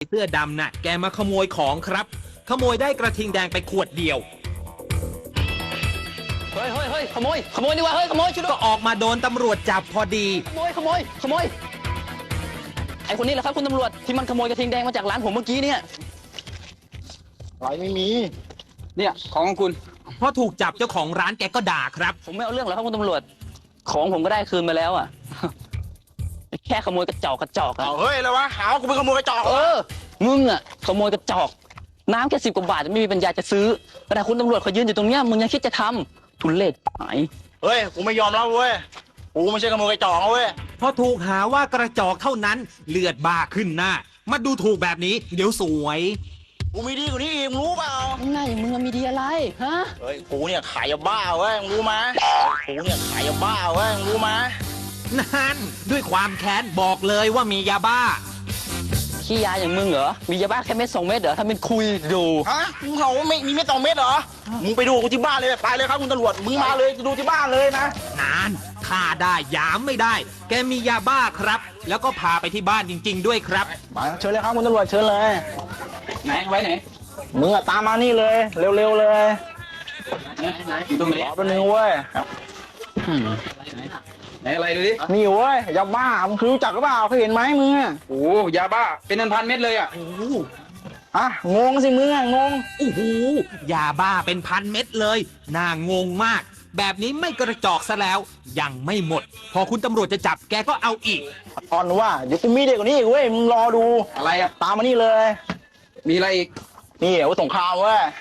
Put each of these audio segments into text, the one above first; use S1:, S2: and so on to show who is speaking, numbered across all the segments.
S1: เสื้อดำน่ะแกมาขโมยของครับขโมยได้กระทิงแดงไปขวดเดียว
S2: เฮ้ยขโมยดีกว่าเฮ้ยขโมยช่วยด้
S1: ก็
S2: วย
S1: ออกมาโดนตำรวจจับพอดี
S2: ขโมยไอคนนี้แหละครับคุณตำรวจที่มันขโมยกระทิงแดงมาจากร้านผมเมื่อกี้เนี่ย
S3: อะไรไม่มี
S2: เนี่ยของคุณ
S1: พอถูกจับเจ้าของร้านแกก็ด่าครับ
S2: ผมไม่เอาเรื่องหรอกครับคุณตำรวจของผมก็ได้คืนมาแล้วอ่ะ แค่ขโมยกระจอกอะ
S3: เอาเฮ้ยแล้ววะหาว่ากูเป็นขโมยกระจอก
S2: มึงอ่ะขโมยกระจอกน้ำแค่10 กว่าบาทไม่มีปัญญาจะซื้อแต่คุณตำรวจเขายืนอยู่ตรงเนี้ยมึงยังคิดจะทำทุเรศหาย
S3: เฮ้ยกูไม่ยอมแล้วเว้ยกูไม่ใช่ขโมยกระจอกเว้ย
S1: พอถูกหาว่ากระจอกเท่านั้นเลือดบ้าขึ้นหน้ามาดูถูกแบบนี้เดี๋ยวสวย
S3: กูมีดีกว่านี้อีกมึงรู้เปล่า
S2: หน้าอย่างมึงมีดีอะไรฮะ
S3: เฮ้ยกูเนี่ยขายยาบ้าเว้ยมึงรู้ไหมกูเนี่ยขายยาบ้าเว้ยมึงรู้ไหม
S1: นั่นด้วยความแค้นบอกเลยว่ามียาบ้า
S2: ขี้ยาอย่างมึงเหรอมียาบ้าแค่เม็ด2 เม็ดเหรอทำเป็นคุยดู
S3: ฮะมึงเขาไม่มีไม่2 เม็ดเหรอมึงไปดูกูที่บ้านเลยไปเลยครับคุณตำรวจมึงมาเลยจะดูที่บ้านเลยนะ
S1: นานฆ่าได้ยามไม่ได้ แกมียาบ้าครับ แล้วก็พาไปที่บ้านจริง ๆ ด้วยครับ
S3: มาเชิญเลยครับคุณตำรวจเชิญเลย
S2: ไหนไว้ไหน
S3: มึงอะตามมานี่เลยเร็วๆเลย
S2: อยู่ตรงไหน
S3: รอแป๊บนึงเว้ย
S4: ไหนอะไรดูดิ
S3: นี่เว้ยยาบ้ามึงคือรู้จักหรือเปล่าเคยเห็นไหมมึงอะ
S4: โอ้ยาบ้า เป็นพันๆเม็ดเลยอ่ะ
S1: โอ้โห
S3: อ่ะงงสิมึงอะงง
S1: โอ้โหยาบ้าเป็นพันเม็ดเลย น่างงมาก แบบนี้ไม่กระจอกซะแล้ว ยังไม่หมด พอคุณตำรวจจะจับแกก็เอาอีก
S3: อ่อนว่าเดี๋ยวกูมีเด็กกว่านี้อีกเว้ยมึงรอดู
S4: อะไรอ่ะ
S3: ตามมานี่เลย
S4: มีอะไรอีก
S3: นี่อาวุธสงครามเว้ย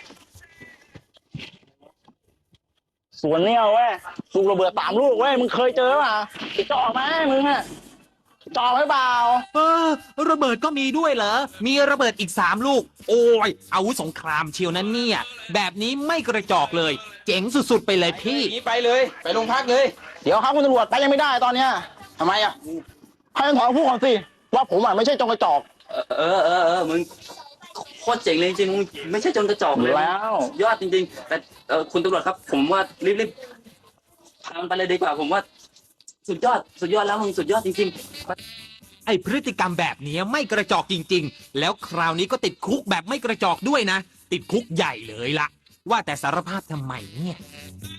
S3: สวนเนี่ยเว้ยลูกระเบิด3 ลูกเว้ยมึงเคยเจอป่ะจะออกไหมมึงอะจะออกไหมเปล่า
S1: ระเบิดก็มีด้วยเหรอ มีระเบิดอีก3 ลูก โอ้ยอาวุธสงครามเชียวนั้นเนี่ย แบบนี้ไม่กระจอกเลย เจ๋งสุดๆไปเลยพี่
S4: นี่ไปเลย ไปโรงพักเลย
S3: เดี๋ยวครับคุณตำรวจไปยังไม่ได้ตอนเนี้ย
S4: ทำไมอ่ะ
S3: ให้ท่านถอนพูดก่อนสิว่าผมอะไม่ใช่จงกระจอก
S2: มึงโคตรเจ๋งเลยจริงๆมึงไม่ใช่จนกระจอกเลย
S3: แล้ว
S2: ยอดจริงๆแต่คุณตำรวจครับ ผมว่ารีบทำไปเลยดีกว่า ผมว่าสุดยอดแล้วมึงสุดยอดจริงๆ
S1: ไอพฤติกรรมแบบนี้ไม่กระจอกจริง ๆ แล้วคราวนี้ก็ติดคุกแบบไม่กระจอกด้วยนะ ติดคุกใหญ่เลยล่ะ ว่าแต่สารภาพทำไมเนี่ย